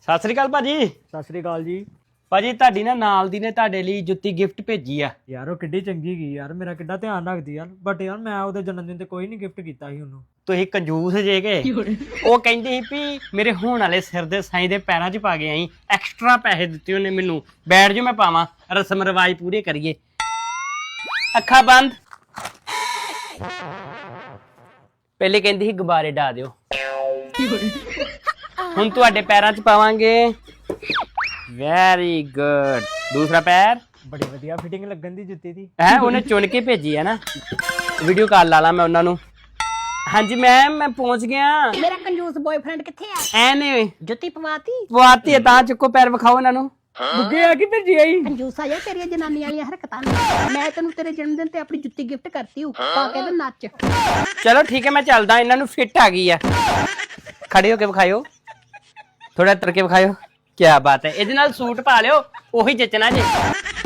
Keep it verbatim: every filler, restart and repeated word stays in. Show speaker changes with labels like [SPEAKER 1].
[SPEAKER 1] ਸਤਿ ਸ੍ਰੀ ਅਕਾਲ ਭਾਜੀ।
[SPEAKER 2] ਸਤਿ ਸ੍ਰੀ ਅਕਾਲ ਜੀ।
[SPEAKER 1] ਭਾਜੀ ਤੁਹਾਡੀ ਨਾ ਨਾਲ ਦੀ ਨੇ ਤੁਹਾਡੇ ਲਈ ਜੁੱਤੀ ਗਿਫਟ ਭੇਜੀ ਆ।
[SPEAKER 2] ਯਾਰ ਉਹ ਕਿੱਡੀ ਚੰਗੀ ਗਈ ਯਾਰ, ਮੇਰਾ ਕਿੱਡਾ ਧਿਆਨ ਰੱਖਦੀ ਯਾਰ। ਬਟ ਯਾਰ ਮੈਂ ਉਹਦੇ ਜਨਮ ਦਿਨ ਤੇ ਕੋਈ ਨਹੀਂ ਗਿਫਟ ਕੀਤਾ ਸੀ ਉਹਨੂੰ।
[SPEAKER 1] ਤੁਸੀਂ ਕੰਜੂਸ ਜੇ ਕੇ ਉਹ ਕਹਿੰਦੀ ਸੀ ਵੀ ਮੇਰੇ ਹੋਣ ਵਾਲੇ ਸਿਰ ਦੇ ਸਾਈਂ ਦੇ ਪੈਰਾਂ 'ਚ ਪਾ ਕੇ ਆਈ। ਐਕਸਟਰਾ ਪੈਸੇ ਦਿੱਤੇ ਉਹਨੇ ਮੈਨੂੰ, ਬੈਠ ਜੋ ਮੈਂ ਪਾਵਾਂ, ਰਸਮ ਰਿਵਾਜ ਪੂਰੇ ਕਰੀਏ। ਅੱਖਾਂ ਬੰਦ। ਪਹਿਲੇ ਕਹਿੰਦੀ ਸੀ ਗੁਬਾਰੇ ਡਾ ਦਿਓ, ਹੁਣ ਤੁਹਾਡੇ ਪੈਰਾਂ 'ਚ ਪਾਵਾਂਗੇ। Very good. ਦੂਸਰਾ ਪੈਰ।
[SPEAKER 2] ਬੜੀ ਵਧੀਆ ਫਿਟਿੰਗ ਲੱਗਣ ਦੀ ਜੁੱਤੀ ਦੀ
[SPEAKER 1] ਹੈ, ਉਹਨੇ ਚੁਣ ਕੇ ਭੇਜੀ ਹੈ ਨਾ। ਵੀਡੀਓ ਕਾਲ ਲਾ ਲਾ ਮੈਂ ਉਹਨਾਂ ਨੂੰ। ਹਾਂਜੀ ਮੈਮ ਮੈਂ ਪਹੁੰਚ ਗਿਆ।
[SPEAKER 3] ਮੇਰਾ ਕੰਜੂਸ ਬॉयਫ੍ਰੈਂਡ ਕਿੱਥੇ ਆ?
[SPEAKER 1] ਐ ਨੇ
[SPEAKER 3] ਜੁੱਤੀ ਪਵਾਤੀ
[SPEAKER 1] ਪਵਾਤੀ ਹੈ, ਤਾਂ ਚੁੱਕੋ ਪੈਰ ਵਿਖਾਓ ਇਹਨਾਂ ਨੂੰ।
[SPEAKER 2] ਬੁੱਗੇ ਆ ਕੀ ਭੇਜੀ ਆਈ?
[SPEAKER 3] ਕੰਜੂਸ ਆ ਜਾ, ਤੇਰੀਆਂ ਜਨਾਨੀ ਵਾਲੀਆਂ ਹਰਕਤਾਂ ਨੇ। ਮੈਂ ਤੈਨੂੰ ਤੇਰੇ ਜਨਮ ਦਿਨ ਤੇ ਆਪਣੀ ਜੁੱਤੀ ਗਿਫਟ ਕਰਤੀ ਹੂੰ, ਪਾ ਕੇ ਤੇ ਨੱਚ।
[SPEAKER 1] ਚਲੋ ਠੀਕ ਹੈ ਮੈਂ ਚੱਲਦਾ, ਇਹਨਾਂ ਨੂੰ ਫਿੱਟ ਆ ਗਈ ਆ। ਖੜੇ ਹੋ ਕੇ ਵਿਖਾਇਓ, ਥੋੜਾ ਤਰ ਕੇ ਵਿਖਾਇਓ। ਕੀ ਬਾਤ ਹੈ, ਇਹਦੇ ਨਾਲ ਸੂਟ ਪਾ ਲਿਓ, ਉਹੀ ਜਚਣਾ ਜੇ।